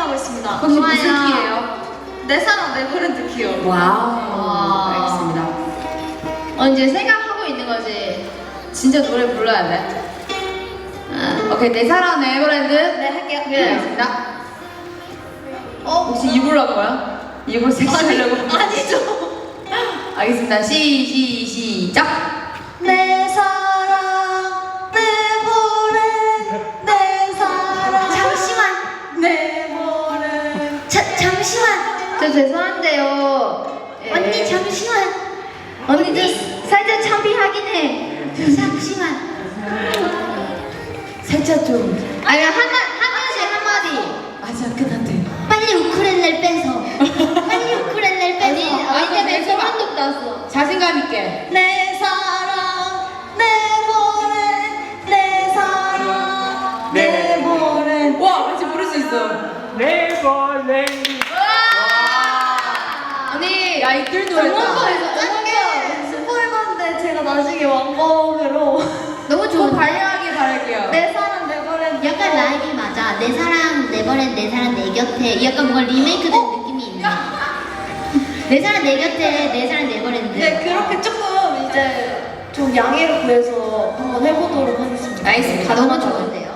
생각하고 있습니다. 혹시 무슨 키예요? 내 사랑 네버랜드 키요. 와우. 알겠습니다. 이제 생각하고 있는 거지. 진짜 노래 불러야 돼. 오케이, 내 사랑 네버랜드. 네, 할게요. 알겠습니다. 혹시 이걸로 할 거야? 이걸 섹시하려고? 아니죠. 알겠습니다. 시작. 내 사랑 네버랜드 내 사랑 잠시만. 네버랜드 잠시만. 저 죄송한데요. 예. 언니 잠시만. 언니 살짝 창피하긴 해. 잠시만. 살짝 좀. 아니 한 명씩 한마디. 아직 끝났대. 빨리 우쿨렐레를 빼서. 빨리 우쿨렐레를 아니 빼서. 때문에 소름도 돋았어. 자신감 있게. 내 사랑 네버랜드 내 사랑 네버랜드 와, 왠지 부를 수 있어. 네버랜드. 언니, 야, 이들 노래다. 짧게 스포해봤는데 제가 나중에 완곡으로 너무 좋은. 발려하길 바랄게요. 내 사랑 네버랜드 약간 나에게 맞아. 내 사랑 네버랜드 내 사랑 내 곁에. 약간 뭔가 리메이크된 느낌이 있네. 내 사랑 내 곁에 내 사랑 네버랜드. 네, 그렇게 조금 이제 좀 양해를 구해서 한번 해보도록 하겠습니다. 나이스. 너무 좋은데요.